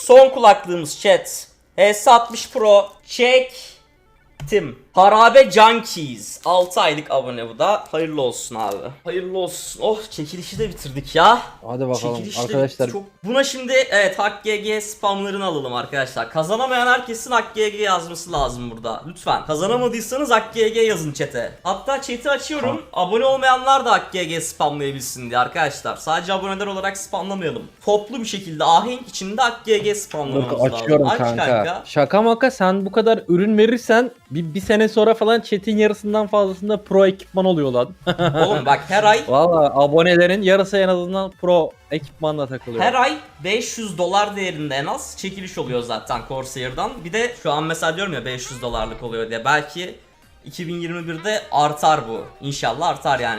Son kulaklığımız chat. HS60 Pro çektim. Harabe Junkies 6 aylık abone bu da. Hayırlı olsun abi. Hayırlı olsun. Oh, çekilişi de bitirdik ya. Hadi bakalım Çekilişi de arkadaşlar. bitti. Buna şimdi evet HackGG spamlarını alalım arkadaşlar. Kazanamayan herkesin HackGG yazması lazım burada. Lütfen. Kazanamadıysanız HackGG yazın chat'e. Hatta chat'i açıyorum. Abone olmayanlar da HackGG spamlayabilsin diye arkadaşlar. Sadece aboneler olarak spamlamayalım. Toplu bir şekilde ahenk içinde HackGG spamlamamız lazım. Açıyorum Aç kanka. Şaka maka sen bu kadar ürün verirsen bir sene sonra falan chat'in yarısından fazlasında pro ekipman oluyor lan. Oğlum bak her ay Valla abonelerin yarısı en azından pro ekipmanla takılıyor. her ay $500 değerinde en az çekiliş oluyor zaten Corsair'dan. Bir de şu an mesela diyorum ya $500 oluyor diye. Belki 2021'de artar bu. İnşallah artar yani.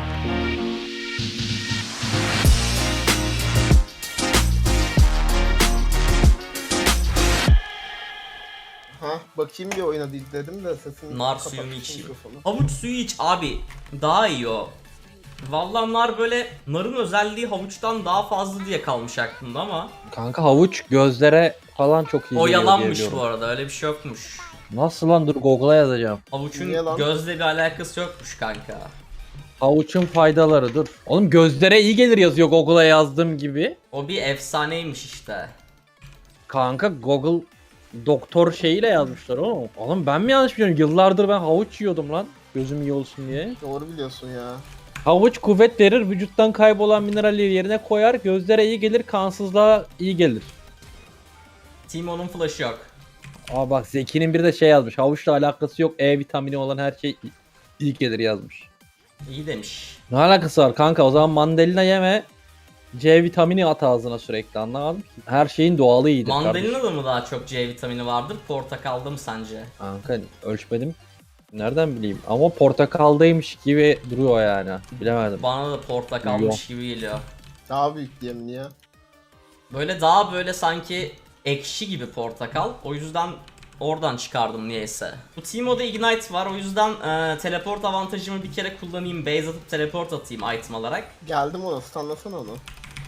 Ha bakayım bir oyuna dedim de sesini Nar kapatmışım suyunu içeyim. mikrofonu. Havuç suyu iç abi. Daha iyi o. Vallahi nar böyle, narın özelliği havuçtan daha fazla diye kalmış aklımda ama Kanka havuç gözlere falan çok iyi o geliyor yalanmış diye bu arada, öyle bir şey yokmuş. Nasıl lan, dur Google'a yazacağım. Havuçun Niye lan? gözle bir alakası yokmuş kanka. Havuçun faydaları dur. Oğlum gözlere iyi gelir yazıyor Google'a yazdığım gibi. O bir efsaneymiş işte. Kanka Google doktor şeyiyle yazmışlar oğlum. Oğlum ben mi yanlış biliyorum? Yıllardır ben havuç yiyordum lan. Gözüm iyi olsun diye. Doğru biliyorsun ya. Havuç kuvvet verir, vücuttan kaybolan mineralleri yerine koyar, gözlere iyi gelir, kansızlığa iyi gelir. Timo'nun flash'ı yok. Aa bak Zeki'nin bir de şey yazmış. Havuçla alakası yok. E vitamini olan her şey iyi gelir yazmış. İyi demiş. Ne alakası var kanka? O zaman mandalina yeme. C vitamini at ağzına sürekli, anlamadım ki. Her şeyin doğalı iyidir kardeşim. Mandalina'da mı daha çok C vitamini vardır, portakalda mı sence? Kanka ölçmedim. Nereden bileyim? Ama portakaldaymış gibi duruyor yani. Bilemedim. Bana da portakalmış gibi geliyor. Daha büyük diye mi ya? Böyle daha böyle sanki ekşi gibi portakal. O yüzden oradan çıkardım niyeyse. Bu Teemo'da Ignite var, o yüzden teleport avantajımı bir kere kullanayım. Base atıp teleport atayım item alarak. Geldim ona, stunlasana onu.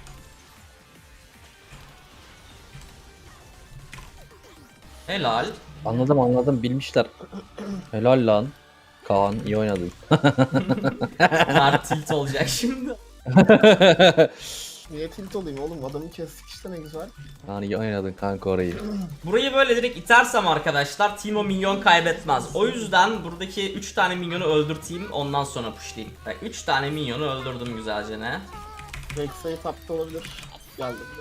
Helal. Anladım bilmişler. Helal lan. Kaan iyi oynadın. Mert tilt olacak şimdi. Niye tilt olayım oğlum? Adamı kestik işte, ne güzel. Kaan iyi oynadın kanka orayı. Burayı böyle direkt itersem arkadaşlar Teemo minyon kaybetmez. O yüzden buradaki 3 tane minyonu öldürteyim, ondan sonra pushlayayım. Bak 3 tane minyonu öldürdüm güzelce ne? Rek'Sai tapta olabilir. Geldi bir de.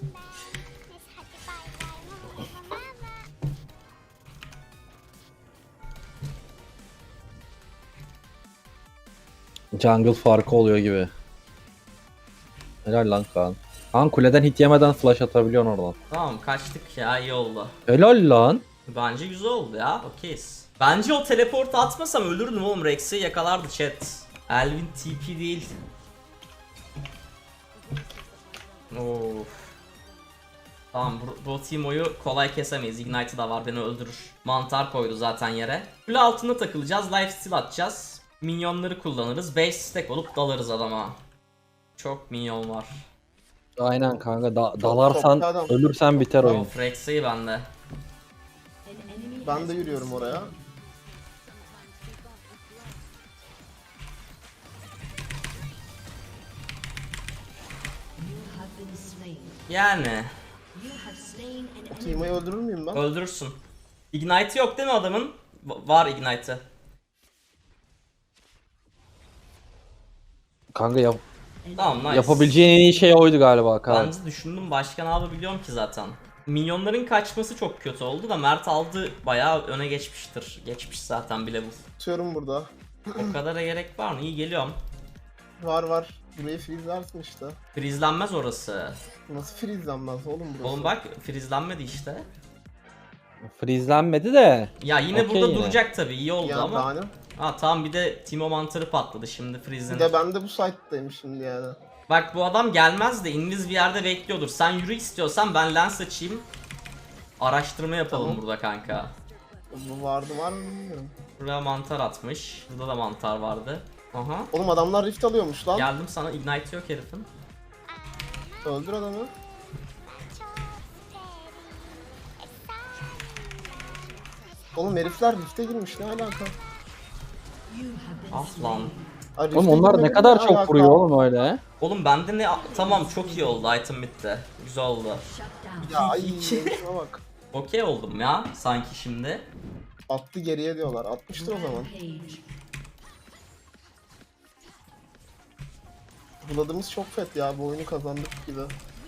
Jungle farkı oluyor gibi. Helal lan Kaan. Kaan kuleden hit yemeden flash atabiliyorsun oradan. Tamam kaçtık ya, iyi oldu. Helal lan. Bence güzel oldu ya, okeyiz. Bence o teleportu atmasam ölürdüm oğlum, Rex'i yakalardı chat. Elvin TP değil. Of. Tamam bu Teemo'yu kolay kesemeyiz. Ignite'ı da var, beni öldürür. Mantar koydu zaten yere. Kule altında takılacağız. Lifesteal atacağız. Minyonları kullanırız. 5 stack olup dalarız adama. Çok minyon var. Aynen kanka dalarsan toplu adam. ölürsen biter oyun. Of, Rex'i bende. Ben de yürüyorum oraya. Yani Teemo'yu öldürür müyüm ben? öldürürsün. Ignite yok değil mi adamın? Var Ignite'ı. Kanka Tamam nice. yapabileceğin en iyi şey oydu galiba Kaan. Bence düşündüm, başka ne yapabiliyorum ki zaten. Minyonların kaçması çok kötü oldu da Mert aldı, bayağı öne geçmiştir. Geçmiş zaten bile bu. Tutuyorum burada. O kadara gerek var mı? İyi geliyorum. Var. Burayı freezlersin işte. Frizlenmez orası. Nasıl freezlenmez oğlum burası? Oğlum bak frizlenmedi işte. Freezelenmedi de. Ya yine Okey burada yine. duracak tabii, iyi oldu Ya ama. daha ne? Ha tamam, bir de Teemo mantarı patladı şimdi, Bir frizlenir. de ben de bu site'dayım şimdi yani. Bak bu adam gelmez de inviz bir yerde bekliyordur. Sen yürü istiyorsan ben lens açayım. Araştırma yapalım Tamam. burada kanka. Bu var mı bilmiyorum. Buraya mantar atmış. Burada da mantar vardı. Aha. Oğlum adamlar rift alıyormuş lan. Geldim sana, ignite yok herifin. Öldür adamı. Oğlum herifler Rift'e girmiş, ne alaka? Ah lan. Ay, Oğlum Rift'e onlar ne girmenin kadar ne çok alaka? vuruyor oğlum öyle. Oğlum bende ne... Tamam çok iyi oldu, item bitti. Güzel oldu. Ya ay İki. şuna bak. Okey oldum ya sanki şimdi. Attı geriye diyorlar. Atmıştır o zaman. Buladığımız çok fet ya, bu oyunu kazandık gibi.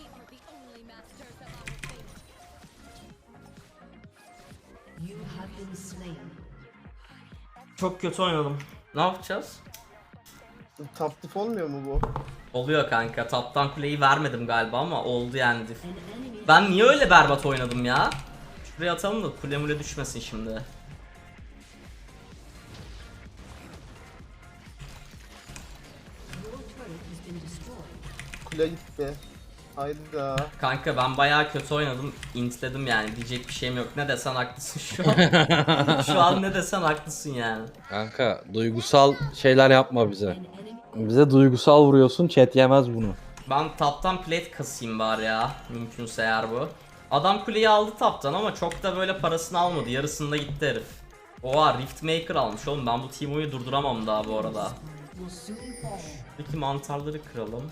Çok kötü oynadım. Ne yapacağız? Top diff olmuyor mu bu? Oluyor kanka. Taptan kuleyi vermedim galiba ama oldu yani diff. Ben niye öyle berbat oynadım ya? Şuraya atalım da kule mule düşmesin şimdi. Kule gitti. Hayda. Kanka ben bayağı kötü oynadım. Intledim yani. Diyecek bir şeyim yok. Ne desen haklısın şu an. Şu an ne desen haklısın yani. Kanka duygusal şeyler yapma bize. Bize duygusal vuruyorsun, chat yemez bunu. Ben taptan plate kasayım bari ya. Mümkünse eğer bu. Adam kuleyi aldı taptan ama çok da böyle parasını almadı. Yarısında gitti herif. Oha Riftmaker almış oğlum. Ben bu Teemo'yu durduramam daha bu arada. Peki mantarları kıralım.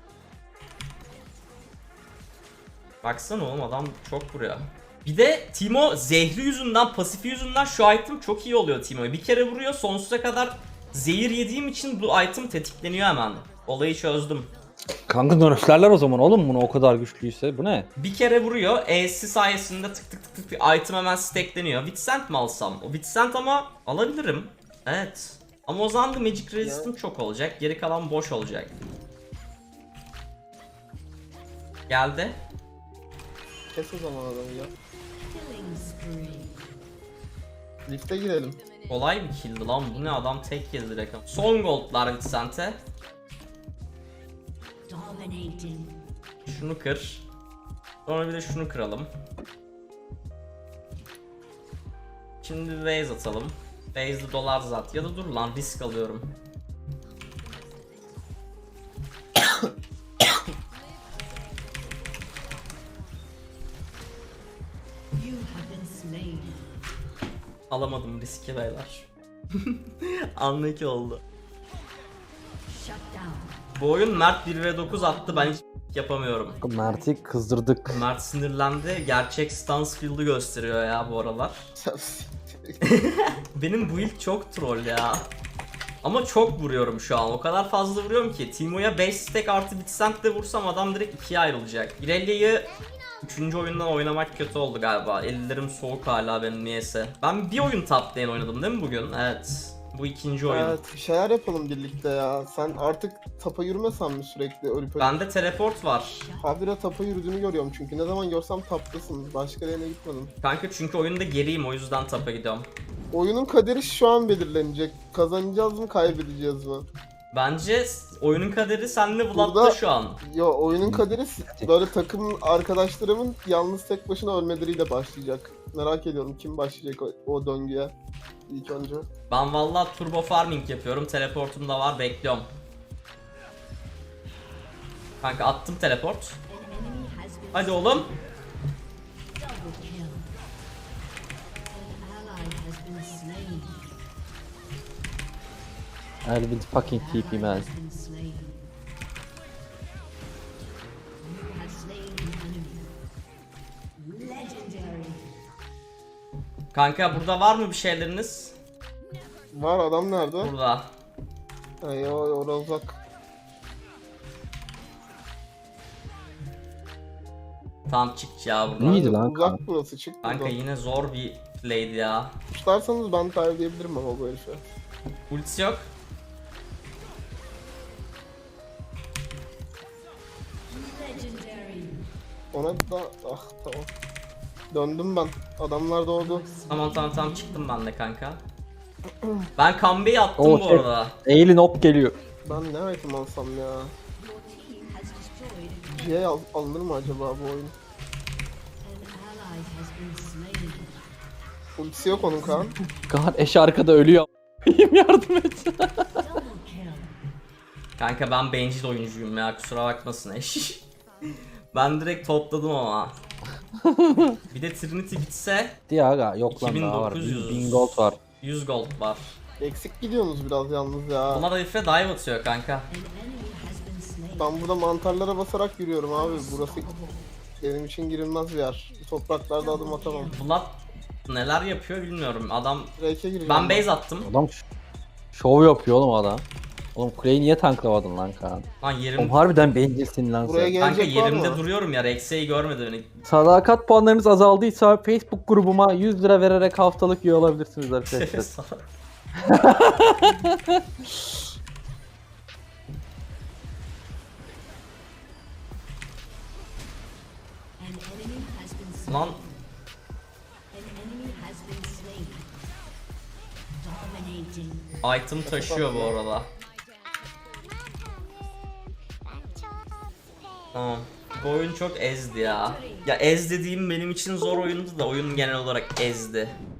Baksana oğlum adam çok vuruyor. Bir de Teemo zehri yüzünden, pasifi yüzünden şu item çok iyi oluyor Teemo'ya. Bir kere vuruyor, sonsuza kadar zehir yediğim için bu item tetikleniyor hemen. Olayı çözdüm. Kanka nerflerler o zaman oğlum bunu o kadar güçlüyse. Bu ne? Bir kere vuruyor, E'si sayesinde tık tık tık tık bir item hemen stackleniyor. Vitsent mi alsam? O Vitsent ama alabilirim. Evet. Ama o zaman da Magic Resist'im çok olacak. Geri kalan boş olacak. Geldi. Kes o zaman adamı ya. Rift'e girelim. Kolay bir killdi lan. Bu ne, adam tek yedi direkt. Son goldlar Vitsent'e. Şunu kır. Sonra bir de şunu kıralım. Şimdi bir base atalım. Base'de dolar zat. Ya da dur lan, risk alıyorum. Alamadım riski beyler. Anlık oldu. Bu oyun Mert 1v9 attı, ben hiç yapamıyorum. Mert'i kızdırdık. Mert sinirlendi. Gerçek Stansfield'ı gösteriyor ya bu aralar. Benim build çok troll ya. Ama çok vuruyorum şu an. O kadar fazla vuruyorum ki. Teemo'ya 5 stack artı Vitsent de vursam adam direkt ikiye ayrılacak. Irelia'yı 3. oyundan oynamak kötü oldu galiba. Ellerim soğuk hala benim niyeyse. Ben bir oyun top lane oynadım değil mi bugün? Evet. Bu ikinci oyun. Evet, bir şeyler yapalım birlikte ya. Sen artık tapa yürümesen mi sürekli ölüp ölüp? Bende teleport var. Habire tapa yürüdüğünü görüyorum çünkü. Ne zaman görsem taptasın. Başka yerine gitmedim. Kanka çünkü oyunda geriyim, o yüzden tapa gidiyorum. Oyunun kaderi şu an belirlenecek. Kazanacağız mı, kaybedeceğiz mi? Bence oyunun kaderi senle Vlad'da Burada- şu an. Yo, oyunun kaderi böyle takım arkadaşlarımın yalnız tek başına ölmeleriyle başlayacak. Merak ediyorum kim başlayacak o döngüye ilk önce. Ben vallahi turbo farming yapıyorum. Teleportum da var, bekliyorum. Kanka attım teleport. Hadi oğlum. I will fucking keep him man. Kanka burada var mı bir şeyleriniz? Var, adam nerede? Burada. Ay orada uzak. Tamam çık ya buradan. İyiydi lan Uzak kanka. burası, çık Kanka buradan. yine zor bir play'di ya. Tutarsanız ben kaybediyebilirim ama bu herife. Ultisi yok. Ona da tamam. Döndüm ben. Adamlar doğdu. Tamam çıktım ben de kanka. Ben Kambe'yi attım Oo, bu şey- arada. Eğilin hop geliyor. Ben ne item alsam ya? GA alınır mı acaba bu oyun? Ultisi yok onun Kaan. Kaan eş arkada ölüyor. Yardım et. Kanka ben bencil oyuncuyum ya, kusura bakmasın eş. Ben direkt topladım ama. Bir de Trinity bitse Diye aga yok lan daha var. 2900. 1000 gold var. 100 gold var. Eksik gidiyorsunuz biraz yalnız ya. Buna da Ifre dive atıyor kanka. Ben burada mantarlara basarak yürüyorum abi. Burası benim için girilmez bir yer. Bu topraklarda adım atamam. Blood neler yapıyor bilmiyorum. Adam Drake'e giriyorum. ben base attım. Adam şov yapıyor oğlum adam. Oğlum kuleyi niye tanklamadın lan Kaan? Lan Oğlum yerim harbiden bencilsin lan Buraya sen. gel- kanka gelecek var yerimde mı? duruyorum ya. Rex'e'yi görmedi beni. Sadakat puanlarınız azaldıysa Facebook grubuma 100 lira vererek haftalık üye olabilirsiniz arkadaşlar. Lan item taşıyor bu arada. Tamam. Bu oyun çok ezdi ya. Ya ez dediğim benim için zor oyundu da oyun genel olarak ezdi.